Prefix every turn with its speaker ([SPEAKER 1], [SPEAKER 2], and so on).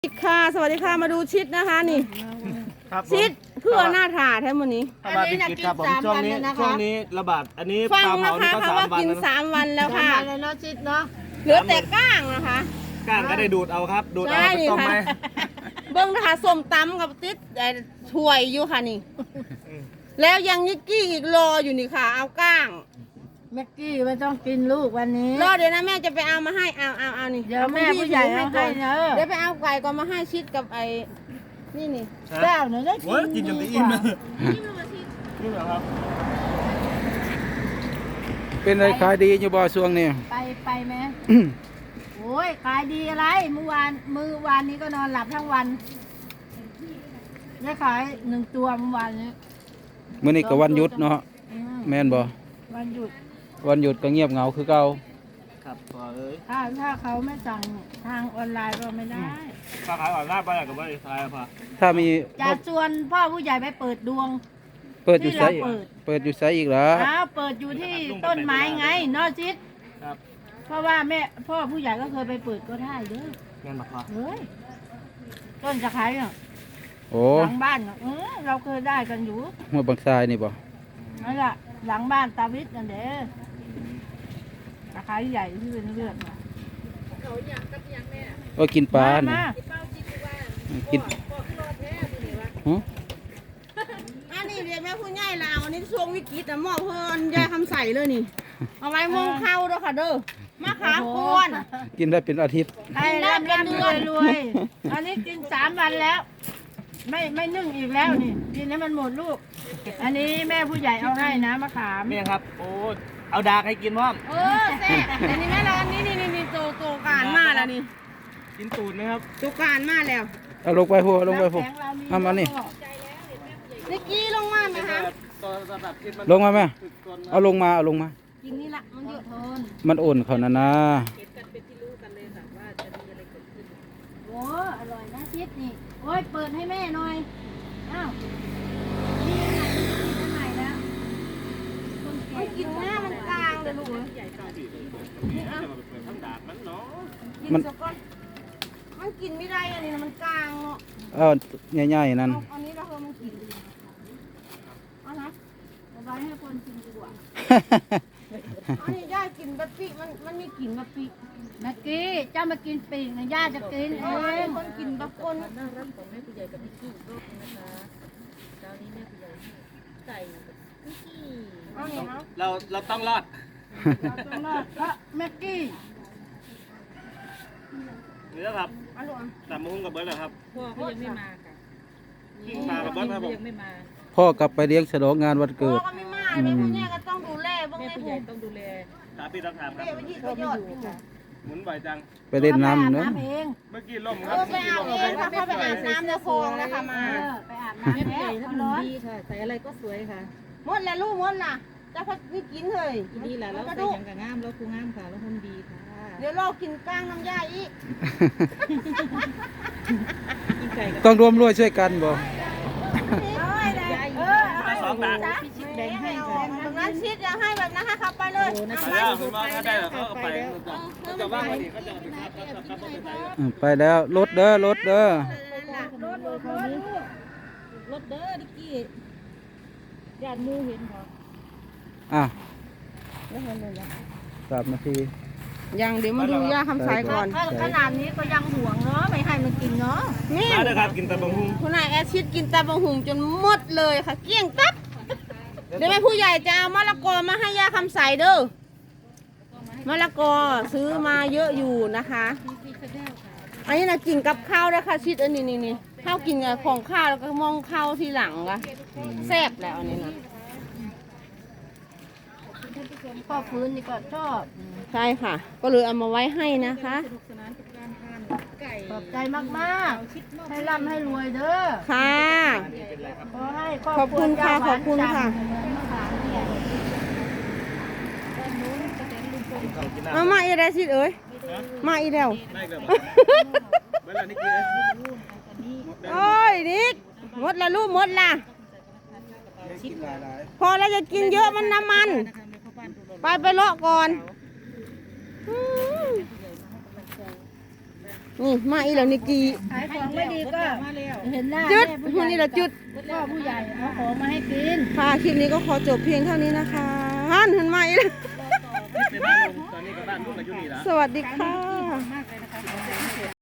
[SPEAKER 1] ชิดค่ะสวัสดีค่ะมาดูชิดนะคะนี่
[SPEAKER 2] ครับผม
[SPEAKER 1] ชิดเพื่อหน้าถาแท้มือนี้
[SPEAKER 2] ถ้ามาพิจิตรครับผมช่วงนี้ระบาดอันนี้ป
[SPEAKER 1] ฟัง
[SPEAKER 2] ลา
[SPEAKER 1] นะ
[SPEAKER 2] เผานี่
[SPEAKER 1] คะ
[SPEAKER 2] ก็
[SPEAKER 1] เขา
[SPEAKER 2] 3
[SPEAKER 1] ว่า
[SPEAKER 2] วัน
[SPEAKER 1] กิน
[SPEAKER 2] แล้วนะ
[SPEAKER 1] 3 วันแล้วค่ะ
[SPEAKER 3] เลยเนาะชิดเนาะ
[SPEAKER 1] เหลือแต่ก้างนะคะ
[SPEAKER 2] ก้างก็ได้ดูดเอาครับดูดเอา
[SPEAKER 1] ใช่
[SPEAKER 2] ไปต้มไหม
[SPEAKER 1] ค่ะ เบิ้งนะคะส้มตำกับติดถ้วยอยู่ค่ะนี่ แล้วยังนิกกี้อีกรออยู่นี่ค่ะ เอาก้าง
[SPEAKER 3] แม็กกี้ไม่ต้องกินลูกวันนี้
[SPEAKER 1] รอเดี๋ยวนะแม่จะไปเอามาให้เอานี่
[SPEAKER 3] เดี๋ยวแม่ผู้ใหญ่เอาให้เนอะ
[SPEAKER 1] เดี๋ยวไปเอาไก่ก่อนมาให้ชิดกับไอ้นี่
[SPEAKER 3] เจ้าหนูได้กิ
[SPEAKER 2] โอ้ยกินจนจะอิ่มเลยนี่เหรอครับ
[SPEAKER 4] เป็นอะไรขายดีอยู่บ่ช่วงนี้
[SPEAKER 3] ไปไหมโอ้ยขายดีอะไรเมื่อวานนี้ก็นอนหลับทั้งวันได้ขาย1 ตัวเมื่อวานนี้
[SPEAKER 4] มื้อนี้ก็วันหยุดเนาะ
[SPEAKER 3] อืม
[SPEAKER 4] แม่นบ่
[SPEAKER 3] วันหยุด
[SPEAKER 4] วันหยุดก็เงียบเหงาคือเก่า
[SPEAKER 2] ครับพอเอ้ย
[SPEAKER 3] ถ้าเขาไม่สั่งทางออนไลน์ก็ไม่ได้
[SPEAKER 2] ถ้าขายออนไลน์ไปอยากกับว่าขายพอ
[SPEAKER 4] ถ้ามี
[SPEAKER 3] จะชวนพ่อผู้ใหญ่ไปเปิดดวง
[SPEAKER 4] เปิดอยู่ไส
[SPEAKER 3] ที่เราเปิด
[SPEAKER 4] เปิดอยู่ไสอีกเหรอ
[SPEAKER 3] อ้าวเปิดอยู่ที่ต้นไม้ไงเนอชิด
[SPEAKER 2] ครับ
[SPEAKER 3] เพราะว่าพ่อผู้ใหญ่ก็เคยไปเปิดก็ได้เด้อ
[SPEAKER 2] แม่นบักพอ
[SPEAKER 3] เฮ้ยต้นจะขายเนาะ
[SPEAKER 4] โอ้
[SPEAKER 3] หลังบ้านเนาะเราเคยได้กันอยู่
[SPEAKER 4] หัวบางทรายนี่บ่
[SPEAKER 3] นั่นแหละหลังบ้านตาวิทย์นั่นเด้อตะไคร้ใหญ่ที่เป็นเลือดมา
[SPEAKER 4] โอ้กินปลานี่
[SPEAKER 3] มา
[SPEAKER 4] กินหึ
[SPEAKER 1] อันนี้เรียกแม่ผู้ใหญ่ลาวอันนี้ช่วงวิกฤตนะหมอเพิ่นยายคำใส่เลยนี่ เอาไว้มองเข้าเด้อค่ะเด้อมะขามกวน
[SPEAKER 4] กินได้เป็นอาทิตย์
[SPEAKER 3] ให้ร่ำรวยอันนี้กิน3 วันแล้ว ไม่นึ่งอีกแล้วนี่กินให้มันหมดลูก อันนี้แม่ผู้ใหญ่เอาให้นะมะขาม
[SPEAKER 2] แม่ครับโอ้เอาดากให้กินพร้อม
[SPEAKER 1] แซ่บอันนี้แม่ร้อนนี่โตการมาแล้วนี่
[SPEAKER 2] กินตูดไหมครับ
[SPEAKER 1] โตการมาแล้ว
[SPEAKER 4] เอาลงไปหัวลงไปหัว
[SPEAKER 3] น้ำแข็งเรา
[SPEAKER 4] เอามานี่
[SPEAKER 1] นิกกี้ลงมาไหมคะ
[SPEAKER 2] ตอนระดับกินมัน
[SPEAKER 4] ลงมาแม่
[SPEAKER 2] ตึกก่อน
[SPEAKER 4] เอาลงมาเอาลงมา
[SPEAKER 1] กินนี่ละมันเยอะทน
[SPEAKER 4] มันโอนเขานะนะ
[SPEAKER 3] โอ้อร่อยนะชิดนี่โอ้ยเปิดให้แม่หน่อยอ้าวนี่อันไหนแล้วคนแก่
[SPEAKER 1] มันกินหน้ามันกลางเลยลูกเอ้ย
[SPEAKER 2] ทั้งดากมันเนาะ
[SPEAKER 1] กินสักก้อนมันกินไม่ได้อันนี้นะมันกลางเนาะ
[SPEAKER 4] เอาใหญ่ๆนั่น
[SPEAKER 1] เอาอันนี้เราเพิ่มมันกินเอานะ
[SPEAKER 3] เอาไว้ให้คนกินดีกว่า
[SPEAKER 1] อันนี้ย่ากินบะปิมันมีกลิ่นบะปิ
[SPEAKER 3] เมื่อกี้เจ้ามากินปีกนะย่าจะกินเอ
[SPEAKER 1] อันนี้
[SPEAKER 3] ง
[SPEAKER 1] คนกินบะปน เอาเนี่ยเนาะ
[SPEAKER 2] เราต้องรอด
[SPEAKER 3] เราต้องรอดเพราะแม็กกี้
[SPEAKER 2] นี่แล้วครับ
[SPEAKER 1] เอาลูกอ่ะ
[SPEAKER 2] ตามมุ้งกับเบิร์ดเหรอครับ
[SPEAKER 5] พ่อเขายังไม่มาค่ะ
[SPEAKER 2] มากับเบิร์ดครับผม
[SPEAKER 5] ยังไม่มา
[SPEAKER 4] พ่อกลับไปเลี้ยงฉลองงานวัน
[SPEAKER 1] พ่อ
[SPEAKER 4] เกิด
[SPEAKER 1] ก็ไม่มาเลยผู้ใหญ่ก็ต้องดูแลบ้าง
[SPEAKER 5] แม่
[SPEAKER 1] ใน
[SPEAKER 5] ผู้ให
[SPEAKER 1] หู
[SPEAKER 5] ญ่ต้องดูแล
[SPEAKER 2] ถามพี่ต้องถามครับ
[SPEAKER 1] เบี้ยไปยี่ก็ยอดอยู่
[SPEAKER 2] หมุนบ่อยจัง
[SPEAKER 4] ไปเล่นน้ำ
[SPEAKER 3] เนาะ
[SPEAKER 4] เนาะ
[SPEAKER 3] เอง
[SPEAKER 2] เมื่อกี้ล่มค
[SPEAKER 1] เอ
[SPEAKER 2] รับ
[SPEAKER 1] อไปอาบเองค่ะเข้าไปอาบน้ำในคลองนะคะมา
[SPEAKER 3] ไปอาบน้ำ
[SPEAKER 5] แม่ผู้
[SPEAKER 3] แล้
[SPEAKER 5] ใหญ่
[SPEAKER 3] ว
[SPEAKER 5] ถ้า
[SPEAKER 3] เขา
[SPEAKER 5] มัน
[SPEAKER 3] ร้อน
[SPEAKER 5] ดีค่ะ ใส่อะไรก็สวยค่ะ
[SPEAKER 1] หมดแล้วลูกหมดล่ะจะพัดนี่กินเลย
[SPEAKER 5] ดีแหละแล้ว
[SPEAKER 1] ก็
[SPEAKER 5] ใส่
[SPEAKER 1] ดู
[SPEAKER 5] อย่างกับงามแล้วคูงามค่ะแล้วหุ่นดีค่ะ
[SPEAKER 1] เดี๋ยวเรากินก้างน้ำยาอีก
[SPEAKER 5] กินไก่กับ
[SPEAKER 4] ต้องร่วมด้วยช่วยกันบ่
[SPEAKER 5] ยาย
[SPEAKER 2] มาสองดาก
[SPEAKER 5] พี่ชิดแดงให้ค่ะ
[SPEAKER 1] แบบนั้นชิดอย่าให้แบบนั้นให้ขับไปเลย
[SPEAKER 5] โอ้นะ
[SPEAKER 2] ไป
[SPEAKER 5] คะ
[SPEAKER 2] แล้วคุณว่าถ้าได้เหรอเขาเอาไปเขาจะว่างพอดีเขาจะเอาไปครับไปไหน
[SPEAKER 4] ไปแล้วรถเด้อรถเด้อ
[SPEAKER 5] รถเด้อดิกกี้ญาติมูเห็นค่ะ
[SPEAKER 4] อ่ะ3 นาที
[SPEAKER 1] ยังเดี๋ยวมาดูย่าคำสายก่อน
[SPEAKER 3] ขนาดนี้ก็ยังห่วงเนาะไม่ให้มันกินเนาะ
[SPEAKER 1] นี่
[SPEAKER 2] มาเลยครับกินแต่บะฮุ่ง
[SPEAKER 1] คุณนายแอดชิดกินตาบะหุงจนหมดเลยค่ะ เกลี้ยงตับเดี๋ยวแม่ผู้ใหญ่จะเอามะละกอมาให้ย่าคำใสเด้อมะละกอซื้อมาเยอะอยู่นะคะ อันนี้นะกินกับข้าวนะคะชิดอันนี้นี่ข้าวกินกับของข้าวแล้วก็มองข้าวทีหลังก็แซ่บแล้วอันนี้นะ
[SPEAKER 3] พ่อฟื้นนี่ก็ชอบ
[SPEAKER 1] ใช่ค่ะ ก็เลยเอามาไว้ให้นะคะ
[SPEAKER 5] สนุกสนานกับการทานไก่
[SPEAKER 3] ขอบใจมากๆให้ร่ำให้รวยเด้อ
[SPEAKER 1] ค่ะ
[SPEAKER 3] ขอให้คร
[SPEAKER 1] ขอบคุณค่ะ
[SPEAKER 3] รัว
[SPEAKER 1] ขอบคุณค่ะ
[SPEAKER 3] เหมือนมะขามเนี่ย
[SPEAKER 1] เอามาอีกแล้วชิดเอ้ยมาอีกแล้ว
[SPEAKER 2] ได้เลยเมื่อไหร่นี่กิน
[SPEAKER 1] โอ้ยนิกหมดละลูกหมดละพอแล้วจะกินเยอะมันน้ำมัน ไปเลาะก่อนนี่มาอีแล้วนิกกี้
[SPEAKER 3] ขายของไม่ดีก็เห็นหน้า
[SPEAKER 1] จุด
[SPEAKER 3] แม่ผู้
[SPEAKER 1] วัน
[SPEAKER 3] ให
[SPEAKER 1] นี้
[SPEAKER 3] ญ่
[SPEAKER 1] ละจุด
[SPEAKER 3] พ่อผู้ใหญ่เอาของมาให้กิน
[SPEAKER 1] ค่ะคลิปนี้ก็ขอจบเพียงเท่านี้นะคะฮันเห็นไหมอีกแล้ว
[SPEAKER 2] ไปบ้านลุงตอนนี้กับบ้านลุงกับยูนี่ละ
[SPEAKER 1] สวัสดีค่ะ
[SPEAKER 3] มากเลยนะคะ